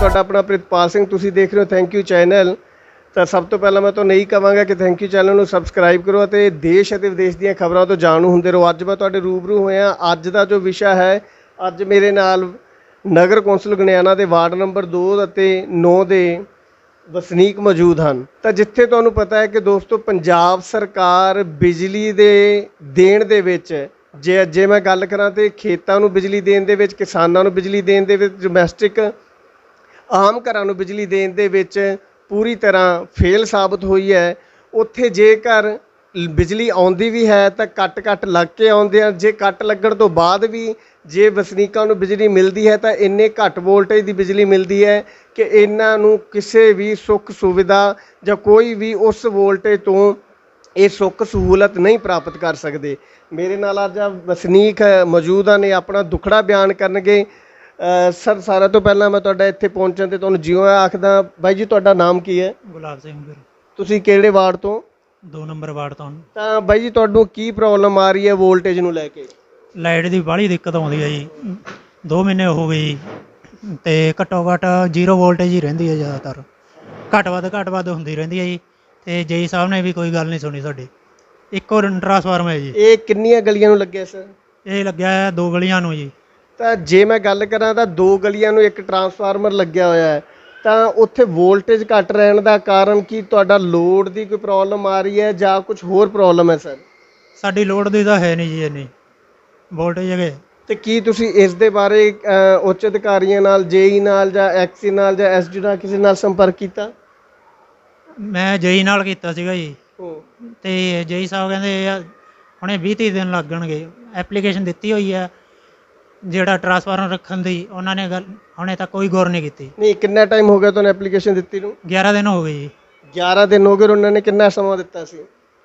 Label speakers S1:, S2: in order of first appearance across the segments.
S1: ਤੁਹਾਡਾ ਆਪਣਾ ਪ੍ਰਿਤਪਾਲ ਸਿੰਘ, ਤੁਸੀਂ ਦੇਖ ਰਹੇ ਹੋ ਥੈਂਕ ਯੂ ਚੈਨਲ। ਤਾਂ ਸਭ ਤੋਂ ਪਹਿਲਾਂ ਮੈਂ ਤੁਹਾਨੂੰ ਇਹੀ ਕਹਾਂਗਾ ਕਿ ਥੈਂਕ ਯੂ ਚੈਨਲ ਨੂੰ ਸਬਸਕ੍ਰਾਈਬ ਕਰੋ ਅਤੇ ਦੇਸ਼ ਅਤੇ ਵਿਦੇਸ਼ ਦੀਆਂ ਖਬਰਾਂ ਤੋਂ ਜਾਣੂ ਹੁੰਦੇ ਰਹੋ। ਅੱਜ ਮੈਂ ਤੁਹਾਡੇ ਰੂਬਰੂ ਹੋਇਆ। ਅੱਜ ਦਾ ਜੋ ਵਿਸ਼ਾ ਹੈ, ਅੱਜ ਮੇਰੇ ਨਾਲ ਨਗਰ ਕੌਂਸਲ ਗਣਿਆਣਾ ਦੇ ਵਾਰਡ ਨੰਬਰ 2 ਅਤੇ 9 ਦੇ ਵਸਨੀਕ ਮੌਜੂਦ ਹਨ। ਤਾਂ ਜਿੱਥੇ ਤੁਹਾਨੂੰ ਪਤਾ ਹੈ ਕਿ ਦੋਸਤੋ, ਪੰਜਾਬ ਸਰਕਾਰ ਬਿਜਲੀ ਦੇ ਦੇਣ ਦੇ ਵਿੱਚ ਜੇ ਮੈਂ ਗੱਲ ਕਰਾਂ ਤਾਂ ਖੇਤਾਂ ਨੂੰ ਬਿਜਲੀ ਦੇਣ ਦੇ ਵਿੱਚ, ਕਿਸਾਨਾਂ ਨੂੰ ਬਿਜਲੀ ਦੇਣ ਦੇ ਵਿੱਚ, ਡੋਮੈਸਟਿਕ ਆਮ ਘਰਾਂ ਨੂੰ ਬਿਜਲੀ ਦੇਣ ਦੇ ਵਿੱਚ ਪੂਰੀ ਤਰ੍ਹਾਂ ਫੇਲ ਸਾਬਤ ਹੋਈ ਹੈ। ਉੱਥੇ ਜੇਕਰ ਬਿਜਲੀ ਆਉਂਦੀ ਵੀ ਹੈ ਤਾਂ ਕੱਟ ਲੱਗ ਕੇ ਆਉਂਦੇ ਆ। ਜੇ ਕੱਟ ਲੱਗਣ ਤੋਂ ਬਾਅਦ ਵੀ ਜੇ ਵਸਨੀਕਾਂ ਨੂੰ ਬਿਜਲੀ ਮਿਲਦੀ ਹੈ ਤਾਂ ਇੰਨੇ ਘੱਟ ਵੋਲਟੇਜ ਦੀ ਬਿਜਲੀ ਮਿਲਦੀ ਹੈ ਕਿ ਇਹਨਾਂ ਨੂੰ ਕਿਸੇ ਵੀ ਸੁੱਖ ਸੁਵਿਧਾ ਜਾਂ ਕੋਈ ਵੀ ਉਸ ਵੋਲਟੇਜ ਤੋਂ ਇਹ ਸੁੱਖ ਸਹੂਲਤ ਨਹੀਂ ਪ੍ਰਾਪਤ ਕਰ ਸਕਦੇ। ਮੇਰੇ ਨਾਲ ਅੱਜ ਵਸਨੀਕ ਮੌਜੂਦ ਨੇ, ਆਪਣਾ ਦੁੱਖੜਾ ਬਿਆਨ ਕਰਨਗੇ। ਸਰ, ਸਾਰਿਆਂ ਤੋਂ ਪਹਿਲਾਂ ਮੈਂ ਤੁਹਾਡਾ ਇੱਥੇ ਪਹੁੰਚਣ ਤੇ ਤੁਹਾਨੂੰ ਜਿਉਂ ਆਖਦਾ। ਬਾਈ ਜੀ, ਤੁਹਾਡਾ ਨਾਮ ਕੀ ਹੈ?
S2: ਗੁਲਾਬ ਸਿੰਘ ਵੀਰ।
S1: ਤੁਸੀਂ ਕਿਹੜੇ ਵਾਰਡ ਤੋਂ?
S2: 2 ਨੰਬਰ ਵਾਰਡ ਤੋਂ।
S1: ਤਾਂ ਬਾਈ ਜੀ, ਤੁਹਾਨੂੰ ਕੀ ਪ੍ਰੋਬਲਮ ਆ ਰਹੀ ਹੈ ਵੋਲਟੇਜ ਨੂੰ ਲੈ ਕੇ?
S2: ਲਾਈਟ ਦੀ ਬਾਹਲੀ ਦਿੱਕਤ ਆਉਂਦੀ ਹੈ ਜੀ। 2 ਮਹੀਨੇ ਹੋ ਗਏ ਜੀ, ਤੇ ਘੱਟੋ ਘੱਟ 0 ਵੋਲਟੇਜ ਹੀ ਰਹਿੰਦੀ ਹੈ। ਜ਼ਿਆਦਾਤਰ ਘੱਟ ਵੱਧ ਹੁੰਦੀ ਰਹਿੰਦੀ ਹੈ ਜੀ। ਤੇ ਜੇਈ ਸਾਹਿਬ ਨੇ ਵੀ ਕੋਈ ਗੱਲ ਨਹੀਂ ਸੁਣੀ ਸਾਡੀ। ਇੱਕੋ ਟਰਾਂਸਫਾਰਮ ਹੈ ਜੀ। ਇਹ
S1: ਕਿੰਨੀਆਂ ਗਲੀਆਂ ਨੂੰ ਲੱਗਿਆ ਸਰ?
S2: ਇਹ ਲੱਗਿਆ ਹੈ 2 ਗਲੀਆਂ ਨੂੰ ਜੀ।
S1: ਤਾਂ ਜੇ ਮੈਂ ਗੱਲ ਕਰਾਂ ਤਾਂ 2 ਗਲੀਆਂ ਨੂੰ ਇੱਕ ਟਰਾਂਸਫਾਰਮਰ ਲੱਗਿਆ ਹੋਇਆ ਹੈ। ਤਾਂ ਉੱਥੇ ਵੋਲਟੇਜ ਘੱਟ ਰਹਿਣ ਦਾ ਕਾਰਨ ਕੀ ਤੁਹਾਡਾ ਲੋਡ ਦੀ ਕੋਈ ਪ੍ਰੋਬਲਮ ਆ ਰਹੀ ਹੈ ਜਾਂ ਕੁਝ ਹੋਰ ਪ੍ਰੋਬਲਮ ਹੈ ਸਰ?
S2: ਸਾਡੀ ਲੋਡ ਦੀ ਤਾਂ ਹੈ ਨਹੀਂ ਜੀ ਇੰਨੀ ਵੋਲਟੇਜ ਹੈਗੇ।
S1: ਤੇ ਕੀ ਤੁਸੀਂ ਇਸ ਦੇ ਬਾਰੇ ਉੱਚ ਅਧਿਕਾਰੀਆਂ ਨਾਲ, ਜੇਈ ਨਾਲ ਜਾਂ ਐਕਸੀ ਨਾਲ ਜਾਂ ਐਸਡੀ ਨਾਲ ਕਿਸੇ ਨਾਲ ਸੰਪਰਕ ਕੀਤਾ?
S2: ਮੈਂ ਜੇਈ ਨਾਲ ਕੀਤਾ ਸੀਗਾ ਜੀ। ਤੇ ਜੇਈ ਸਾਹਿਬ ਕਹਿੰਦੇ ਹੁਣੇ 20-30 ਦਿਨ ਲੱਗਣਗੇ। ਐਪਲੀਕੇਸ਼ਨ ਦਿੱਤੀ ਹੋਈ ਹੈ ਜਿਹੜਾ ਟਰਾਂਸਫਾਰਮਰ ਰੱਖਣ ਦੀ, ਉਹਨਾਂ ਨੇ ਗੱਲ ਹੁਣੇ ਤੱਕ ਕੋਈ ਗੌਰ ਨਹੀਂ ਕੀਤੀ।
S1: ਨਹੀਂ, ਕਿੰਨਾ ਟਾਈਮ ਹੋ ਗਿਆ ਤੁਹਾਨੂੰ ਐਪਲੀਕੇਸ਼ਨ ਦਿੱਤੀ ਨੂੰ?
S2: 11 ਦਿਨ ਹੋ ਗਏ ਜੀ।
S1: 11 ਦਿਨ ਹੋ ਗਏ। ਉਹਨਾਂ ਨੇ ਕਿੰਨਾ ਸਮਾਂ ਦਿੱਤਾ ਸੀ?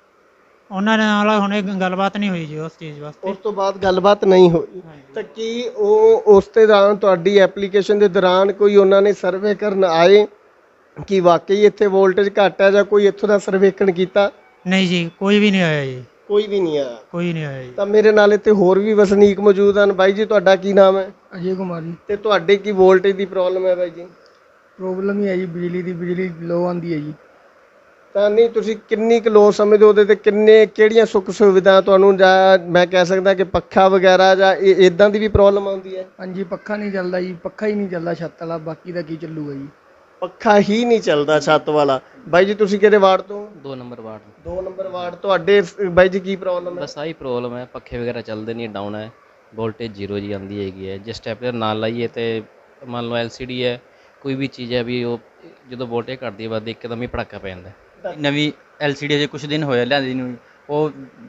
S2: ਉਹਨਾਂ ਦੇ ਨਾਲ ਹੁਣੇ ਗੱਲਬਾਤ ਨਹੀਂ ਹੋਈ ਜੀ ਉਸ ਚੀਜ਼ ਵਾਸਤੇ।
S1: ਉਸ ਤੋਂ ਬਾਅਦ ਗੱਲਬਾਤ ਨਹੀਂ ਹੋਈ। ਤਾਂ ਕੀ ਉਹ ਉਸ ਦੇ ਦੌਰਾਨ ਤੁਹਾਡੀ ਐਪਲੀਕੇਸ਼ਨ ਦੇ ਦੌਰਾਨ ਕੋਈ ਉਹਨਾਂ ਨੇ ਸਰਵੇ ਕਰਨ ਆਏ ਕਿ ਵਾਕਈ ਇੱਥੇ ਵੋਲਟੇਜ ਘੱਟ ਹੈ ਜਾਂ ਕੋਈ ਇੱਥੋਂ ਦਾ ਸਰਵੇਖਣ ਕੀਤਾ?
S2: ਨਹੀਂ ਜੀ, ਕੋਈ ਵੀ ਨਹੀਂ ਆਇਆ ਜੀ।
S1: ਕੋਈ ਵੀ ਨਹੀਂ ਆਇਆ?
S2: ਕੋਈ ਨਹੀਂ ਆਇਆ ਜੀ।
S1: ਤਾਂ ਮੇਰੇ ਨਾਲ ਇੱਥੇ ਹੋਰ ਵੀ ਵਸਨੀਕ ਮੌਜੂਦ ਹਨ। ਬਾਈ ਜੀ, ਤੁਹਾਡਾ ਕੀ ਨਾਮ ਹੈ?
S3: ਅਜੇ ਕੁਮਾਰ ਜੀ।
S1: ਤੇ ਤੁਹਾਡੇ ਕੀ ਵੋਲਟੇਜ ਦੀ ਪ੍ਰੋਬਲਮ ਹੈ ਬਾਈ ਜੀ?
S3: ਪ੍ਰੋਬਲਮ ਹੀ ਹੈ ਜੀ ਬਿਜਲੀ ਦੀ, ਬਿਜਲੀ ਲੋ ਆਉਂਦੀ ਹੈ ਜੀ।
S1: ਤਾਂ ਨਹੀਂ, ਤੁਸੀਂ ਕਿੰਨੀ ਕੁ ਲੋ ਸਮਝਦੇ ਹੋ? ਉਹਦੇ ਤੇ ਕਿਹੜੀਆਂ ਸੁੱਖ ਸੁਵਿਧਾ ਤੁਹਾਨੂੰ, ਜਾਂ ਮੈਂ ਕਹਿ ਸਕਦਾ ਕਿ ਪੱਖਾ ਵਗੈਰਾ ਜਾਂ ਇੱਦਾਂ ਦੀ ਵੀ ਪ੍ਰੋਬਲਮ ਆਉਂਦੀ ਹੈ?
S3: ਹਾਂਜੀ, ਪੱਖਾ ਨਹੀਂ ਚੱਲਦਾ ਜੀ। ਪੱਖਾ ਹੀ ਨਹੀਂ ਚੱਲਦਾ ਛੱਤ ਵਾਲਾ, ਬਾਕੀ ਦਾ ਕੀ ਚੱਲੂਗਾ ਜੀ?
S1: ਪੱਖਾ ਹੀ ਨਹੀਂ ਚੱਲਦਾ ਛੱਤ ਵਾਲਾ। ਬਾਈ ਜੀ, ਤੁਸੀਂ ਕਿਹੜੇ ਵਾਰਡ ਤੋਂ?
S4: 2 ਨੰਬਰ ਵਾਰਡ।
S1: 2 number ward. ਤੁਹਾਡੇ ਬਾਈ ਜੀ ਕੀ ਪ੍ਰੋਬਲਮ ਹੈ?
S4: ਬਸ ਆਹੀ ਪ੍ਰੋਬਲਮ ਹੈ, ਪੱਖੇ ਵਗੈਰਾ ਚੱਲਦੇ ਨਹੀਂ, ਡਾਊਨ ਹੈ, ਵੋਲਟੇਜ 0 ਜੀ ਆਉਂਦੀ ਹੈਗੀ ਹੈ। ਜੇ ਸਟੈਪਲਰ ਨਾਲ ਲਾਈਏ ਤੇ ਮੰਨ ਲਓ LCD ਹੈ, ਕੋਈ ਵੀ ਚੀਜ਼ ਹੈ ਵੀ, ਉਹ ਜਦੋਂ ਵੋਲਟੇਜ ਘਟਦੀ ਹੈ ਬਾਅਦ ਇੱਕਦਮ ਹੀ ਪੜਾਕਾ ਪੈ ਜਾਂਦਾ।
S5: ਨਵੀਂ LCD ਅਜੇ ਕੁਛ ਦਿਨ ਹੋਇਆ ਲਿਆਂਦੀ ਨੂੰ, ਉਹ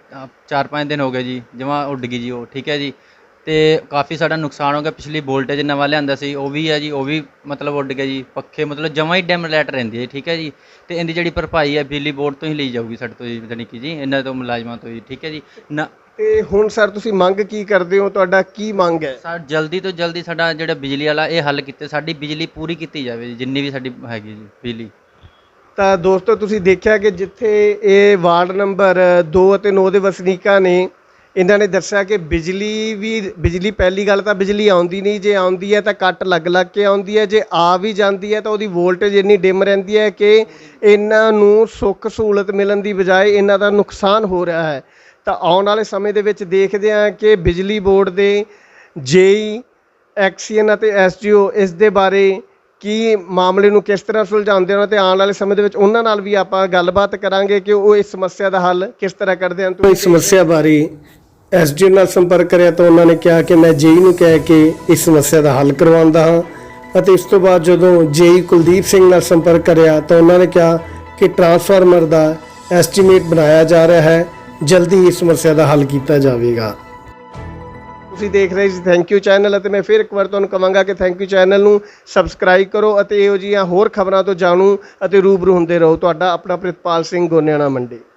S5: 4-5 ਦਿਨ ਹੋ ਗਏ ਜੀ, ਜਮਾਂ ਉੱਡ ਗਈ ਜੀ ਉਹ। ਠੀਕ ਹੈ ਜੀ। ਤੇ ਕਾਫੀ ਸਾਡਾ ਨੁਕਸਾਨ ਹੋ ਗਿਆ। ਪਿਛਲੀ ਵੋਲਟੇਜ ਨਵਾਂ ਲਿਆਂਦਾ ਸੀ, ਉਹ ਵੀ ਹੈ ਜੀ, ਉਹ ਵੀ ਮਤਲਬ ਉੱਡ ਗਿਆ ਜੀ। ਪੱਖੇ ਮਤਲਬ ਜਮਾਂ ਹੀ ਡੈਮ ਲਾਈਟ ਰਹਿੰਦੀ ਹੈ। ਠੀਕ ਹੈ ਜੀ। ਤੇ ਇਹਦੀ ਜਿਹੜੀ ਭਰਪਾਈ ਹੈ ਬਿਜਲੀ ਬੋਰਡ ਤੋਂ ਹੀ ਲਈ ਜਾਊਗੀ ਸਾਡੇ ਤੋਂ ਜੀ, ਜਾਣੀ ਕਿ ਜੀ ਇਹਨਾਂ ਤੋਂ ਮੁਲਾਜ਼ਮਾਂ ਤੋਂ ਜੀ। ਠੀਕ ਹੈ ਜੀ ਨਾ।
S1: ਤੇ ਹੁਣ ਸਰ ਤੁਸੀਂ ਮੰਗ ਕੀ ਕਰਦੇ ਹੋ? ਤੁਹਾਡਾ ਕੀ ਮੰਗ ਹੈ?
S5: ਸਰ ਜਲਦੀ ਤੋਂ ਜਲਦੀ ਸਾਡਾ ਜਿਹੜਾ ਬਿਜਲੀ ਵਾਲਾ ਇਹ ਹੱਲ ਕੀਤੇ, ਸਾਡੀ ਬਿਜਲੀ ਪੂਰੀ ਕੀਤੀ ਜਾਵੇ ਜੀ, ਜਿੰਨੀ ਵੀ ਸਾਡੀ ਹੈਗੀ ਜੀ ਬਿਜਲੀ।
S1: ਤਾਂ ਦੋਸਤੋ, ਤੁਸੀਂ ਦੇਖਿਆ ਕਿ ਜਿੱਥੇ ਇਹ ਵਾਰਡ ਨੰਬਰ 2 ਅਤੇ 9 ਦੇ ਵਸਨੀਕਾਂ ਨੇ, ਇਹਨਾਂ ਨੇ ਦੱਸਿਆ ਕਿ ਬਿਜਲੀ ਪਹਿਲੀ ਗੱਲ ਤਾਂ ਬਿਜਲੀ ਆਉਂਦੀ ਨਹੀਂ। ਜੇ ਆਉਂਦੀ ਹੈ ਤਾਂ ਕੱਟ ਲੱਗ ਕੇ ਆਉਂਦੀ ਹੈ। ਜੇ ਆ ਵੀ ਜਾਂਦੀ ਹੈ ਤਾਂ ਉਹਦੀ ਵੋਲਟੇਜ ਇੰਨੀ ਡਿਮ ਰਹਿੰਦੀ ਹੈ ਕਿ ਇਹਨਾਂ ਨੂੰ ਸੁੱਖ ਸਹੂਲਤ ਮਿਲਣ ਦੀ ਬਜਾਏ ਇਹਨਾਂ ਦਾ ਨੁਕਸਾਨ ਹੋ ਰਿਹਾ ਹੈ। ਤਾਂ ਆਉਣ ਵਾਲੇ ਸਮੇਂ ਦੇ ਵਿੱਚ ਦੇਖਦੇ ਹਾਂ ਕਿ ਬਿਜਲੀ ਬੋਰਡ ਦੇ ਜੇਈ, ਐਕਸੀਅਨ ਅਤੇ SDO ਇਸ ਦੇ ਬਾਰੇ ਕੀ ਮਾਮਲੇ ਨੂੰ ਕਿਸ ਤਰ੍ਹਾਂ ਸੁਲਝਾਉਂਦੇ ਹਨ। ਅਤੇ ਆਉਣ ਵਾਲੇ ਸਮੇਂ ਦੇ ਵਿੱਚ ਉਹਨਾਂ ਨਾਲ ਵੀ ਆਪਾਂ ਗੱਲਬਾਤ ਕਰਾਂਗੇ ਕਿ ਉਹ ਇਸ ਸਮੱਸਿਆ ਦਾ ਹੱਲ ਕਿਸ ਤਰ੍ਹਾਂ ਕਰਦੇ ਹਨ। ਇਸ ਸਮੱਸਿਆ ਬਾਰੇ SDO ਨਾਲ ਸੰਪਰਕ ਕਰਿਆ ਤਾਂ ਉਹਨਾਂ ਨੇ ਕਿਹਾ ਕਿ ਮੈਂ ਜੇਈ ਨੂੰ ਕਹਿ ਕੇ ਇਸ ਸਮੱਸਿਆ ਦਾ ਹੱਲ ਕਰਵਾਉਂਦਾ ਹਾਂ। ਅਤੇ ਇਸ ਤੋਂ ਬਾਅਦ ਜਦੋਂ ਜੇਈ ਕੁਲਦੀਪ ਸਿੰਘ ਨਾਲ ਸੰਪਰਕ ਕਰਿਆ ਤਾਂ ਉਹਨਾਂ ਨੇ ਕਿਹਾ ਕਿ ਟਰਾਂਸਫਾਰਮਰ ਦਾ ਐਸਟੀਮੇਟ ਬਣਾਇਆ ਜਾ ਰਿਹਾ ਹੈ, ਜਲਦੀ ਹੀ ਇਸ ਸਮੱਸਿਆ ਦਾ ਹੱਲ ਕੀਤਾ ਜਾਵੇਗਾ। ਤੁਸੀਂ ਦੇਖ ਰਹੇ ਸੀ ਥੈਂਕ ਯੂ ਚੈਨਲ, ਅਤੇ ਮੈਂ ਫਿਰ ਇੱਕ ਵਾਰ ਤੁਹਾਨੂੰ ਕਹਾਂਗਾ ਕਿ ਥੈਂਕ ਯੂ ਚੈਨਲ ਨੂੰ ਸਬਸਕ੍ਰਾਈਬ ਕਰੋ ਅਤੇ ਇਹੋ ਜਿਹੀਆਂ ਹੋਰ ਖਬਰਾਂ ਤੋਂ ਜਾਣੂ ਅਤੇ ਰੂਬਰੂ ਹੁੰਦੇ ਰਹੋ। ਤੁਹਾਡਾ ਆਪਣਾ ਪ੍ਰਿਤਪਾਲ ਸਿੰਘ, ਗੋਨਿਆਣਾ ਮੰਡੀ।